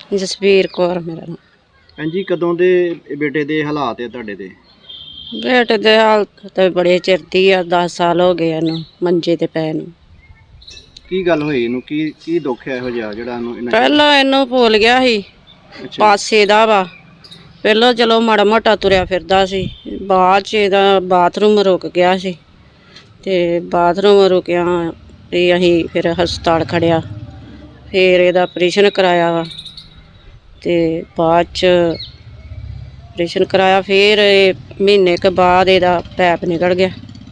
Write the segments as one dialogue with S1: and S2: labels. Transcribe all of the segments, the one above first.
S1: ਜਸਵੀਰ ਕੌਰ ਮੇਰਾ ਨਾਮ।
S2: ਹਾਂਜੀ, ਕਦੋਂ ਦੇ ਬੇਟੇ ਦੇ ਹਾਲਾਤ ਹੈ ਤੁਹਾਡੇ ਦੇ?
S1: ਬੇਟੇ ਦੇ ਹਾਲਤ ਤੇ ਬੜੇ ਚਿਰ ਦੀ ਆ, 10 ਸਾਲ ਹੋ ਗਏ ਇਹਨੂੰ ਮੰਜੇ ਤੇ ਪਏ ਨੂੰ।
S2: ਕੀ ਗੱਲ ਹੋਈ ਇਹਨੂੰ? ਕੀ ਦੁੱਖ ਹੈ ਇਹੋ ਜਿਹਾ ਜਿਹੜਾ ਇਹਨੂੰ
S1: ਪਹਿਲਾਂ ਇਹਨੂੰ ਭੁੱਲ ਗਿਆ ਸੀ, ਪਾਸੇ ਦਾ ਵਾ। ਪਹਿਲਾਂ ਚਲੋ ਮਾੜਾ ਮੋਟਾ ਤੁਰਿਆ ਫਿਰਦਾ ਸੀ, ਬਾਅਦ 'ਚ ਇਹਦਾ ਬਾਥਰੂਮ ਰੁਕ ਗਿਆ ਸੀ ਤੇ ਬਾਥਰੂਮ ਰੁਕਿਆ ਤੇ ਅਸੀਂ ਫਿਰ ਹਸਪਤਾਲ ਖੜਿਆ, ਫਿਰ ਇਹਦਾ ਆਪਰੇਸ਼ਨ ਕਰਾਇਆ ਵਾ ਤੇ ਬਾਅਦ 'ਚ ਆਪਰੇਸ਼ਨ ਕਰਾਇਆ। ਫਿਰ ਮਹੀਨੇ ਕੁ ਬਾਅਦ ਇਹਦਾ ਪੈਪ ਨਿਕਲ ਗਿਆ।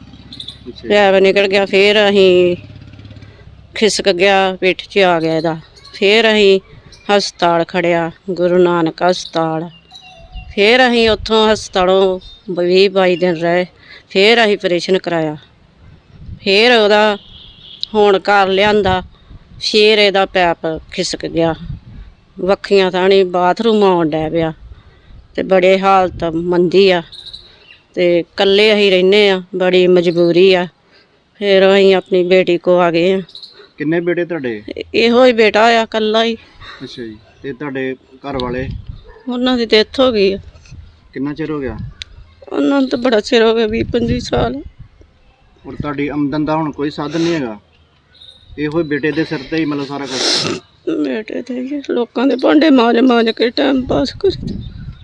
S1: ਫਿਰ ਅਸੀਂ ਖਿਸਕ ਗਿਆ, ਪਿੱਠ 'ਚ ਆ ਗਿਆ ਇਹਦਾ। ਫਿਰ ਅਸੀਂ ਹਸਪਤਾਲ ਖੜਿਆ, ਗੁਰੂ ਨਾਨਕ ਹਸਪਤਾਲ। ਫਿਰ ਅਸੀਂ ਉੱਥੋਂ ਹਸਪਤਾਲੋਂ 20-22 ਦਿਨ ਰਹੇ। ਫਿਰ ਅਸੀਂ ਆਪਰੇਸ਼ਨ ਕਰਾਇਆ, ਫਿਰ ਉਹਦਾ ਹੁਣ ਘਰ ਲਿਆਂਦਾ। ਫਿਰ ਇਹਦਾ ਪੈਪ ਖਿਸਕ ਗਿਆ, ਵੱਖੀਆਂ ਥਾਣੀ ਬਾਥਰੂਮ ਆਉਣ ਡੈ ਪਿਆ ਤੇ ਬੜੇ ਹਾਲਤ ਮੰਦੀ ਆ ਤੇ ਇਕੱਲੇ ਅਸੀਂ ਰਹਿੰਦੇ ਆ, ਬੜੀ ਮਜਬੂਰੀ ਆ। ਫਿਰ ਅਸੀਂ ਆਪਣੀ ਬੇਟੀ ਕੋ ਆ ਗਏ ਆ।
S2: ਕਿੰਨੇ ਬੇਟੇ ਤੁਹਾਡੇ?
S1: ਇਹੋ ਹੀ ਬੇਟਾ ਆ, ਇਕੱਲਾ ਹੀ।
S2: ਅੱਛਾ ਜੀ। ਤੇ ਤੁਹਾਡੇ ਘਰ ਵਾਲੇ?
S1: ਉਹਨਾਂ ਦੀ ਡੈਥ ਹੋ ਗਈ ਆ।
S2: ਕਿੰਨਾ ਚਿਰ ਹੋ ਗਿਆ?
S1: ਉਹਨਾਂ ਨੂੰ ਤਾਂ ਬੜਾ ਚਿਰ ਹੋ ਗਿਆ, 20-25 ਸਾਲ।
S2: ਔਰ ਤੁਹਾਡੀ ਆਮਦਨ ਦਾ ਹੁਣ ਕੋਈ ਸਾਧਨ ਨਹੀਂ ਹੈਗਾ? ਇਹੋ ਹੀ ਬੇਟੇ ਦੇ ਸਿਰ ਤੇ ਹੀ ਮਤਲਬ ਸਾਰਾ ਕੁਝ?
S1: ਬੇਟੇ ਤੇ ਹੀ ਲੋਕਾਂ ਦੇ ਭਾਂਡੇ ਮਾਂਜ ਕੇ ਟਾਈਮ ਪਾਸ ਕਰੀ।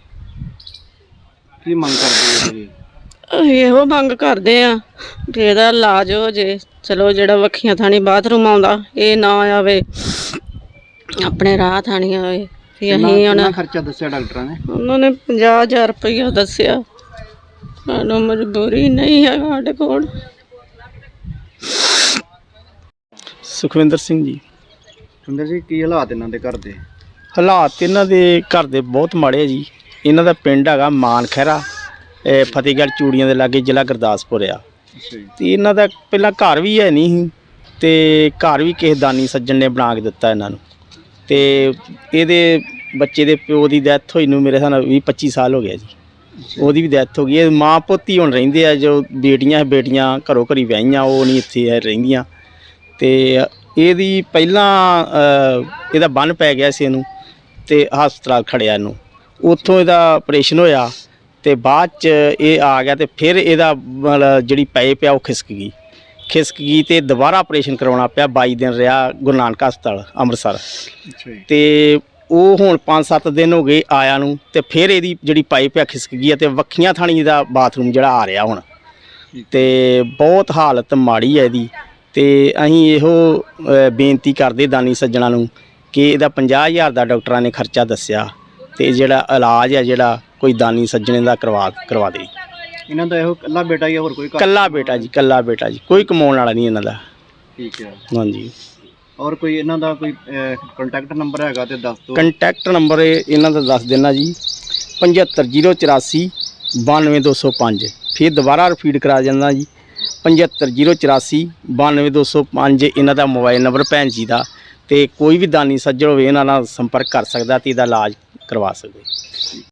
S2: ਕੀ ਮੰਗ ਕਰਦੇ ਹੋ ਜੀ?
S1: ਅਸੀਂ ਇਹੋ ਮੰਗ ਕਰਦੇ ਆ ਕਿ ਇਹਦਾ ਇਲਾਜ ਹੋ ਜੇ। ਚਲੋ ਜਿਹੜਾ ਵੱਖੀਆਂ ਥਾਣੀ ਬਾਥਰੂਮ ਆਉਂਦਾ ਇਹ ਨਾ ਆਵੇ, ਆਪਣੇ ਰਾਹ ਥਾਣੀ ਆਵੇ। ਵੀ ਅਸੀਂ ਹੁਣ
S2: ਖਰਚਾ ਦੱਸਿਆ ਡਾਕਟਰਾਂ ਨੇ?
S1: ਉਹਨਾਂ ਨੇ 50,000 ਰੁਪਈਆ ਦੱਸਿਆ। ਸਾਨੂੰ ਮਜਬੂਰੀ ਨਹੀਂ ਹੈ ਸਾਡੇ ਕੋਲ।
S3: ਸੁਖਵਿੰਦਰ ਸਿੰਘ ਜੀ।
S2: ਸੁੰਦਰ ਜੀ, ਕੀ ਹਾਲਾਤ ਇਹਨਾਂ ਦੇ ਘਰ ਦੇ?
S3: ਹਾਲਾਤ ਇਹਨਾਂ ਦੇ ਘਰ ਦੇ ਬਹੁਤ ਮਾੜੇ ਜੀ। ਇਹਨਾਂ ਦਾ ਪਿੰਡ ਹੈਗਾ ਮਾਨ ਖਹਿਰਾ, ਫਤਿਹਗੜ੍ਹ ਚੂੜੀਆਂ ਦੇ ਲਾਗੇ, ਜ਼ਿਲ੍ਹਾ ਗੁਰਦਾਸਪੁਰ ਆ। ਤੇ ਇਹਨਾਂ ਦਾ ਪਹਿਲਾਂ ਘਰ ਵੀ ਹੈ ਨਹੀਂ ਸੀ ਤੇ ਘਰ ਵੀ ਕਿਸੇ ਦਾਨੀ ਸੱਜਣ ਨੇ ਬਣਾ ਕੇ ਦਿੱਤਾ ਇਹਨਾਂ ਨੂੰ। ਤੇ ਇਹਦੇ ਬੱਚੇ ਦੇ ਪਿਓ ਦੀ ਡੈਥ ਹੋਈ ਨੂੰ ਮੇਰੇ ਹਿਸਾਬ ਨਾਲ 20-25 ਸਾਲ ਹੋ ਗਿਆ ਜੀ। ਉਹਦੀ ਵੀ ਡੈਥ ਹੋ ਗਈ। ਇਹ ਮਾਂ ਪੁੱਤ ਹੀ ਹੁਣ ਰਹਿੰਦੇ ਆ। ਜੋ ਬੇਟੀਆਂ ਘਰੋਂ ਘਰੀ ਵਿਆਹੀਆਂ, ਉਹ ਨਹੀਂ ਇੱਥੇ ਰਹਿੰਦੀਆਂ। ਤੇ ਇਹਦੀ ਪਹਿਲਾਂ ਇਹਦਾ ਬੰਨ ਪੈ ਗਿਆ ਸੀ ਇਹਨੂੰ ਤੇ ਹਸਪਤਾਲ ਖੜਿਆ ਇਹਨੂੰ। ਉੱਥੋਂ ਇਹਦਾ ਆਪਰੇਸ਼ਨ ਹੋਇਆ ਤੇ ਬਾਅਦ 'ਚ ਇਹ ਆ ਗਿਆ ਤੇ ਫਿਰ ਇਹਦਾ ਮਤਲਬ ਜਿਹੜੀ ਪਾਈਪ ਆ ਉਹ ਖਿਸਕ ਗਈ ਤੇ ਦੁਬਾਰਾ ਆਪਰੇਸ਼ਨ ਕਰਵਾਉਣਾ ਪਿਆ। 22 ਦਿਨ ਰਿਹਾ ਗੁਰੂ ਨਾਨਕ ਹਸਪਤਾਲ ਅੰਮ੍ਰਿਤਸਰ। ਤੇ ਉਹ ਹੁਣ 5-7 ਦਿਨ ਹੋ ਗਏ ਆਇਆ ਨੂੰ ਤੇ ਫਿਰ ਇਹਦੀ ਜਿਹੜੀ ਪਾਈਪ ਆ ਖਿਸਕ ਗਈ ਤੇ ਵੱਖੀਆਂ ਥਾਣੀ ਦਾ ਬਾਥਰੂਮ ਜਿਹੜਾ ਆ ਰਿਹਾ ਹੁਣ। ਤੇ ਬਹੁਤ ਹਾਲਤ ਮਾੜੀ ਹੈ ਇਹਦੀ। ਤੇ ਅਸੀਂ ਇਹੋ ਬੇਨਤੀ ਕਰਦੇ ਦਾਨੀ ਸੱਜਣਾ ਨੂੰ ਕਿ ਇਹਦਾ 50,000 ਦਾ ਡਾਕਟਰਾਂ ਨੇ ਖਰਚਾ ਦੱਸਿਆ ਤੇ ਜਿਹੜਾ ਇਲਾਜ ਹੈ ਜਿਹੜਾ ਕੋਈ ਦਾਨੀ ਸੱਜਣੇ ਦਾ ਕਰਵਾ ਦੇ।
S2: ਇਹਨਾਂ ਦਾ ਇਹੋ ਇਕੱਲਾ ਬੇਟਾ ਹੀ? ਹੋਰ ਕੋਈ?
S3: ਇਕੱਲਾ ਬੇਟਾ ਜੀ, ਕੋਈ ਕਮਾਉਣ ਵਾਲਾ ਨਹੀਂ ਇਹਨਾਂ ਦਾ।
S2: ਠੀਕ ਹੈ।
S3: ਹਾਂਜੀ।
S2: ਔਰ ਕੋਈ ਇਹਨਾਂ ਦਾ ਕੋਈ ਕੰਟੈਕਟ ਨੰਬਰ ਹੈਗਾ ਤੇ ਦੱਸ ਦਿਓ।
S3: ਕੰਟੈਕਟ ਨੰਬਰ ਇਹਨਾਂ ਦਾ ਦੱਸ ਦੇਣਾ ਜੀ, 7508 92205। ਫਿਰ ਦੁਬਾਰਾ ਰਿਪੀਟ ਕਰਾ ਜਾਂਦਾ ਜੀ, 7508 92205 ਇਹਨਾਂ ਦਾ ਮੋਬਾਈਲ ਨੰਬਰ ਭੈਣ ਜੀ ਦਾ। ਤੇ ਕੋਈ ਵੀ ਦਾਨੀ ਸੱਜਣ ਹੋਵੇ ਇਹਨਾਂ ਨਾਲ ਸੰਪਰਕ ਕਰ ਸਕਦਾ ਤੇ ਇਹਦਾ ਇਲਾਜ ਕਰਵਾ ਸਕਦੇ।